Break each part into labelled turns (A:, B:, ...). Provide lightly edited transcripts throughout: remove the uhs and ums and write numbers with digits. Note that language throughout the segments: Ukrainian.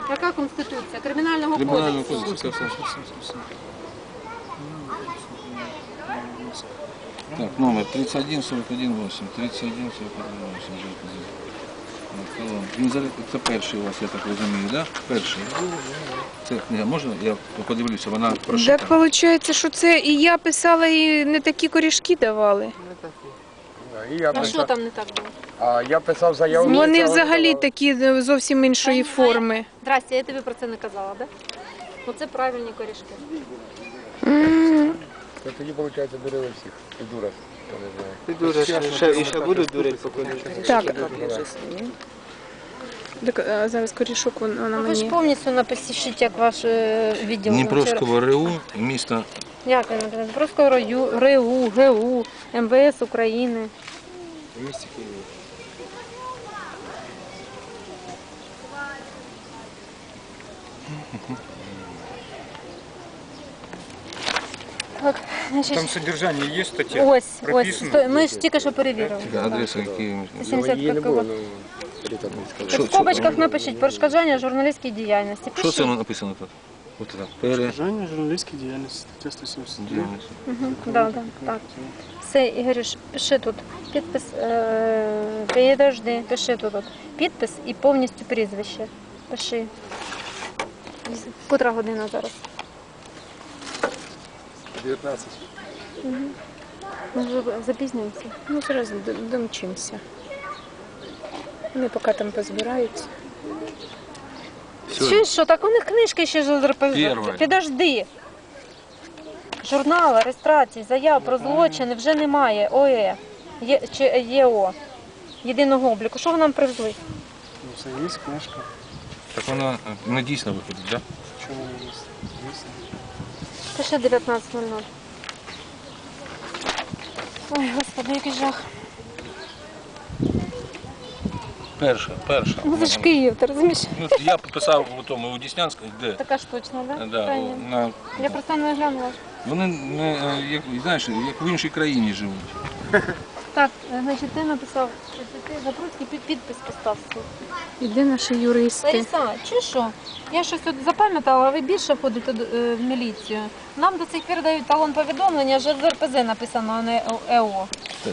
A: Яка Конституція? Кримінального
B: Кримінального
A: кодексу.
B: кодексу. Так, номер 31418. 31418. Це перший у вас, я так розумію, так? Перший. Це книга, можна? Я подивлюся, вона прошита.
C: Так виходить, що це і я писала, і не такі корішки давали.
A: А що там не так було?
D: А я писав заяву.
C: Вони взагалі такі зовсім іншої форми.
A: Здрасте, я тобі про це не казала, так? Ну це правильні корішки.
D: То тоді, виходить, дурили всіх. І дура.
E: Ти дуриш, і ще будуть дурити, поки не
C: Так. Так, а зараз корішок вона
A: Ви ж
C: мені.
A: повністю напишіть, як ваш відділ.
B: Дніпровського РУ, міста.
A: Як він називається? Дніпровського РУ, ГУ, МВС України.
D: В місті Києві.
A: Так, значить,
F: Там содержание есть, статья?
A: ось,
F: прописано?
A: ми ж тільки що перевірили.
B: Адреса Києва.
A: 75 кг. В скобочках напишіть перешкоджання журналістській діяльності.
B: Що це написано тут? Ось так.
E: Бажання журналістської діяльності, стаття 179.
A: Да, так. Все, Ігорюш, пиши тут. Підпис, підожди, пиши тут. Підпис і повністю прізвище. Пиши. Котра година зараз?
D: 19.
A: Ми вже запізнюємося.
C: Ну, зараз домчимося. Вони поки там позбираються.
A: Чуєш, що так у них книжки ще ж
B: Перше.
A: Підожди. Журнал, реєстрації, заяв про злочини вже немає. ОЕ чи ЄО. Єдиного обліку. Що ви нам привезли?
E: Ну, це є книжка.
B: Так вона не дійсно виходить, так?
E: Чому не є? Дійсно.
A: Пише 19:00. Ой, господи, який жах.
B: Перша.
A: Ну це ж Київ, ти розумієш?
B: Ну, я писав у тому, у Діснянському, де?
A: Така ж точно, да?
B: Да,
A: Крайня.
B: на...
A: Я просто не глянула.
B: Вони, як, знаєш, як в іншій країні живуть.
A: Так, значить, ти написав, що ти Запруцький підпис постав свій.
C: Іде наші юристи.
A: Лариса, чи що? Я щось тут запам'ятала, а ви більше ходите в міліцію. Нам до цих пір дають талон повідомлення, що з РПЗ написано, а не ЕО.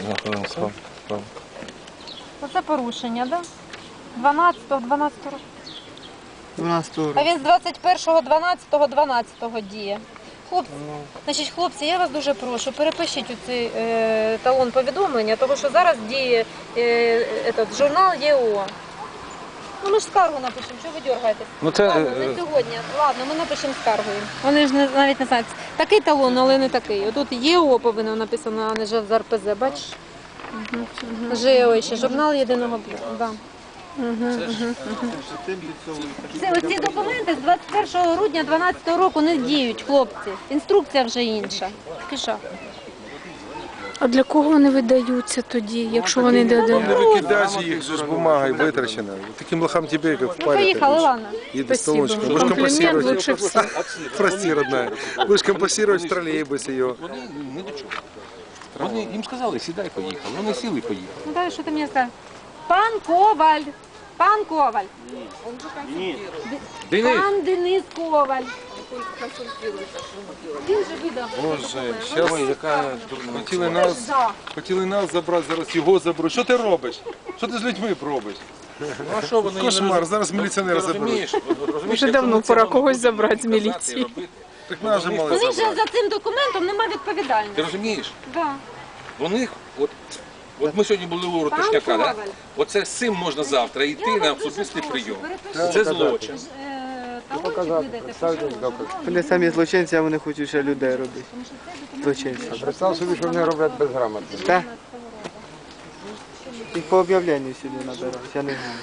A: Оце порушення, так? Да? 12 року.
E: 12
A: А він з 21.12.12 діє. Хлопці, я вас дуже прошу, перепишіть цей талон повідомлення, тому що зараз діє журнал ЄО. Ну ми ж скаргу напишемо, що ви дергаєтесь?
B: Ну, це,
A: Ладно, не сьогодні. Ладно, ми напишемо скаргу їм. Вони ж навіть не знають. Такий талон, але не такий. Отут ЄО повинно написано, а не з РПЗ, бачиш? ЖЕО ще, журнал єдиного обліку. Да. Ці документи з 21 грудня 2012 року не діють, хлопці. Інструкція вже інша. Киша.
C: А для кого вони видаються тоді, якщо вони дадуть?
D: Не викидай їх, ж бумагою витрачено. Таким лохам тебе, як
A: Ну,
D: впарят.
A: поїхали, ладно.
D: Едь до
C: Спасибо.
D: столочка. Будешь
C: Комплімент
D: компостировать.
C: лучше всіх.
D: Прости, родная. Будешь компостировать в троллейбусе ее.
B: Вони не до чого. Вони їм сказали, сідай, поїхали. Вони сіли і поїхали.
A: Ну далі, що ти мені скажеш? Пан Коваль. Пан Коваль.
B: Денис!
A: Пан Денис Коваль. Він же видав.
D: Боже,
B: Ой, яка дурна.
D: хотіли нас забрати, зараз його заберуть. Що ти робиш? Що ти з людьми робиш?
B: Ну, а що вони
D: Кошмар, зараз міліціонери заберуть.
B: розумієш?
C: Вже давно пора когось забрати з міліції.
D: Так нас же мали
A: У них же
D: забрати.
A: за цим документом немає
B: Ти
A: відповідальності.
B: розумієш?
A: Да.
B: У них, от ми сьогодні були у Ротошняка, да? Оце з цим можна завтра йти на особистий прийом. Це злочин.
E: Вони самі злочинці, а вони хочуть ще людей робити. Злочинці.
D: Представ собі, що вони роблять безграмотно.
E: Так? Їх по об'явленню сюди набирають, я не знаю.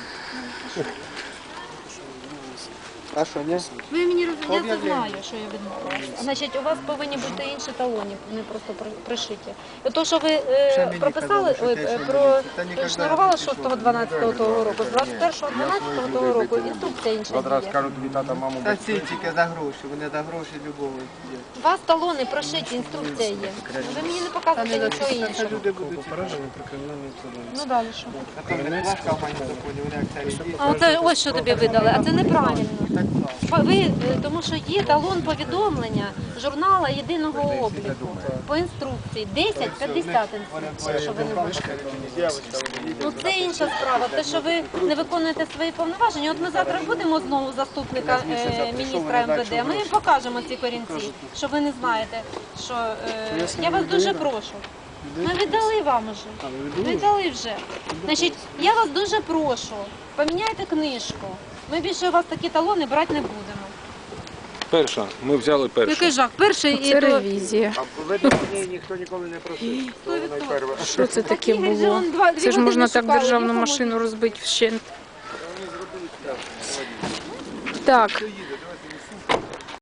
E: А що, ні?
A: Ви мені розумієте, я це знаю, що я відмовилася. Значить, у вас повинні бути інші талони, не просто пришиті. І то, що ви прописали, прошнурували 6.12 того року, з 21.12 того року інструкція інша
D: Одразу
A: діє.
D: кажуть, тобі тата, маму
E: Та ці тільки за гроші, вони за гроші любого є.
A: У вас талони прошиті, інструкція є. Ви мені не показуєте нічого іншого.
E: Люди будуть
F: Попередження про кримінальну відповідальність.
A: Ну далі що?
E: А то вони важка в законі, вони як царі.
A: А оце ось що тобі видали, а це неправильно. Тому що є талон повідомлення журнала єдиного обліку по інструкції 1050 інструкція, що ви не можете. Ну це інша справа. Те, що ви не виконуєте свої повноваження. От ми завтра будемо знову заступника міністра МВД. Ми їм покажемо ці корінці, що ви не знаєте. Що я вас дуже прошу. Ми віддали вам уже. Віддали вже. Значить, я вас дуже прошу. Поміняйте книжку. Ми більше у вас такі талони брати не будемо.
B: Перша, ми взяли першу.
A: Який жах? Перший і
C: Це
A: то...
C: ревізія.
G: Видно, ніхто ніколи не просив.
C: Що це таке
A: Такий же
C: було?
A: он дві
C: Це ж
A: години
C: можна так
A: шукали,
C: державну
A: нікому.
C: машину розбити вщент. Так,